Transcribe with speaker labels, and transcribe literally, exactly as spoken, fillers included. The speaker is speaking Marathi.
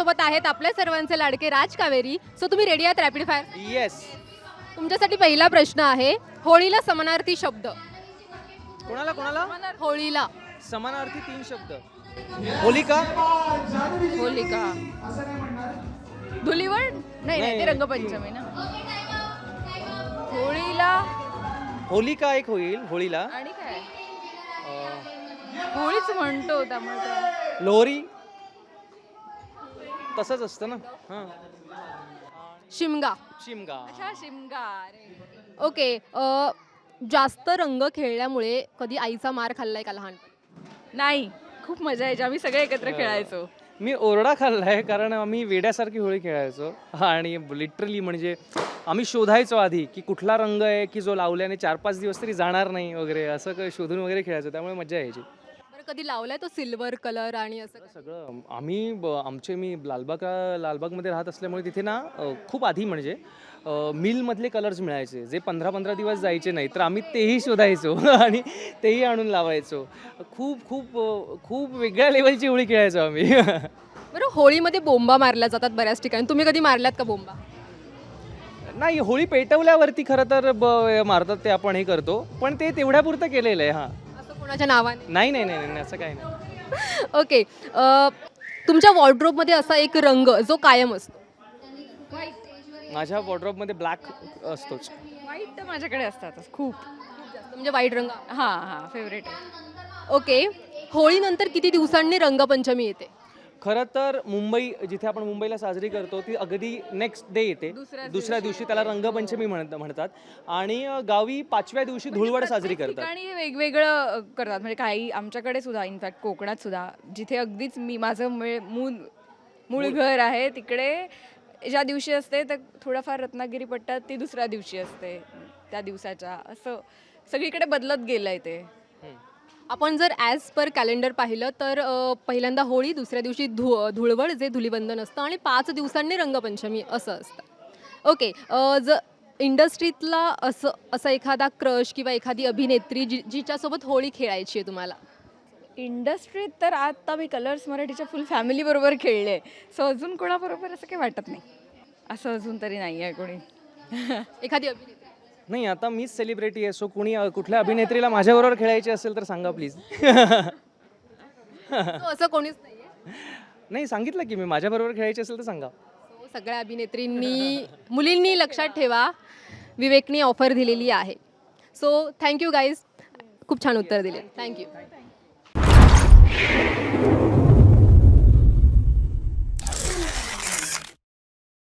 Speaker 1: माझ्यासोबत आहेत आपल्या सर्वांचे लाडके राज कावेरी. सो तुम्ही रेडी आहात रॅपिड फायर?
Speaker 2: येस.
Speaker 1: तुमच्यासाठी पहिला प्रश्न आहे, होळीला समानार्थी शब्द.
Speaker 2: कोणाला कोणाला
Speaker 1: होळीला
Speaker 2: समानार्थी तीन शब्द. होलिका.
Speaker 3: होलिका धुलीवड नाही नाही ते रंगपंचमी ना. होळीला
Speaker 2: होलिका एक होईल होळीला.
Speaker 3: आणि काय
Speaker 2: अं,
Speaker 3: होळीच म्हणतो त्यामुळे काय.
Speaker 2: लोहरी तसंच असतं ना. हां.
Speaker 1: शिमगा.
Speaker 2: शिमगा.
Speaker 3: अच्छा शिमगा. अरे
Speaker 1: ओके. अ, जास्त रंग खेळल्यामुळे कधी आईचा मार खाल्लाय का लहानपणी?
Speaker 3: नाही, खूप मजा यायची. आम्ही सगळे एकत्र खेळायचो.
Speaker 2: मी ओरडा खाल्लाय कारण आम्ही वेड्यासारखी होळी खेळायचो. आणि लिटरली म्हणजे आम्ही शोधायचो आधी की कुठला रंग आहे की जो लावल्याने चार पाच दिवस तरी जाणार नाही वगैरे, असं काही शोधून वगैरे खेळायचो. त्यामुळे मजा यायची.
Speaker 1: बरं, कधी लावलाय तो सिल्वर कलर आणि असं काय?
Speaker 2: सगळं आम्ही ब- आमचे मी लालबाग लालबागमध्ये राहत असल्यामुळे तिथे ना अ, खूप आधी म्हणजे अ, मिलमधले कलर्स मिळायचे जे पंधरा पंधरा दिवस जायचे नाही, तर आम्ही तेही शोधायचो आणि तेही आणून लावायचो. खूप खूप अ, खूप वेगळ्या लेवलची होळी खेळायचो आम्ही.
Speaker 1: बरं, होळीमध्ये बोंबा मारल्या जातात बऱ्याच ठिकाणी. तुम्ही कधी मारल्यात का बोंबा?
Speaker 2: नाही, होळी पेटवल्यावरती खरं तर ब मारतात ते आपण हे करतो, पण ते तेवढ्यापुरतं केलेलं आहे. हां.
Speaker 1: असं कोणाच्या नावाने?
Speaker 2: नाही नाही नाही नाही, असं काही नाही.
Speaker 1: ओके. अ, तुमच्या वॉर्डरोबमध्ये असा एक रंग जो कायम असतो.
Speaker 2: माझ्या वॉर्डरोबमध्ये ब्लॅक असतोच.
Speaker 3: वाईट तर माझ्याकडे असतातच खूप.
Speaker 1: म्हणजे वाईट रंग.
Speaker 3: हां हां फेवरेट आहे.
Speaker 1: ओके. होळीनंतर किती दिवसांनी रंगपंचमी येते?
Speaker 2: खरं तर मुंबई जिथे आपण मुंबईला साजरी करतो ती अगदी नेक्स्ट डे येते.
Speaker 3: दुसऱ्या
Speaker 2: दुसऱ्या दिवशी त्याला रंगपंचमी म्हणत म्हणतात. आणि अ, गावी पाचव्या दिवशी धुळवड साजरी
Speaker 3: प्रत्येक
Speaker 2: करतात.
Speaker 3: ठिकाणी हे वेगवेगळं अ, करतात. म्हणजे काही आमच्याकडे सुद्धा इनफॅक्ट कोकणात सुद्धा जिथे अगदीच मी माझं मूळ मूळ मूळ घर आहे तिकडे ज्या दिवशी असते तर थोडाफार रत्नागिरी पट्ट्यात ती दुसऱ्या दिवशी असते त्या दिवसाच्या. असं सगळीकडे बदलत गेलंय ते.
Speaker 1: आपण जर ॲज पर कॅलेंडर पाहिलं तर अ, पहिल्यांदा होळी, दुसऱ्या दिवशी धु धुळवड जे धुलीवंदन असतं आणि पाच दिवसांनी रंगपंचमी असं असतं. ओके. अ, ज इंडस्ट्रीतला असं असा एखादा क्रश किंवा एखादी अभिनेत्री जी जिच्यासोबत होळी खेळायची आहे तुम्हाला?
Speaker 3: इंडस्ट्रीत तर आता मी कलर्स मराठीच्या फुल फॅमिली बरोबर खेळले. सो अजून कोणाबरोबर असं काही वाटत नाही. असं अजून तरी नाही आहे कोणी.
Speaker 1: एखादी अभिनेत्री?
Speaker 2: नाही, आता मीच सेलिब्रिटी आहे, सो कुणी अ, कुठल्या अभिनेत्रीला माझ्याबरोबर खेळायची असेल तर सांगा प्लीज.
Speaker 1: So असं कोणीच नाही आहे?
Speaker 2: नाही, सांगितलं की मी माझ्याबरोबर खेळायची असेल तर सांगा.
Speaker 1: So सगळ्या अभिनेत्रींनी मुलींनी लक्षात ठेवा, विवेकनी ऑफर दिलेली आहे. सो थँक्यू गाईज, खूप छान उत्तर दिले. थँक्यू.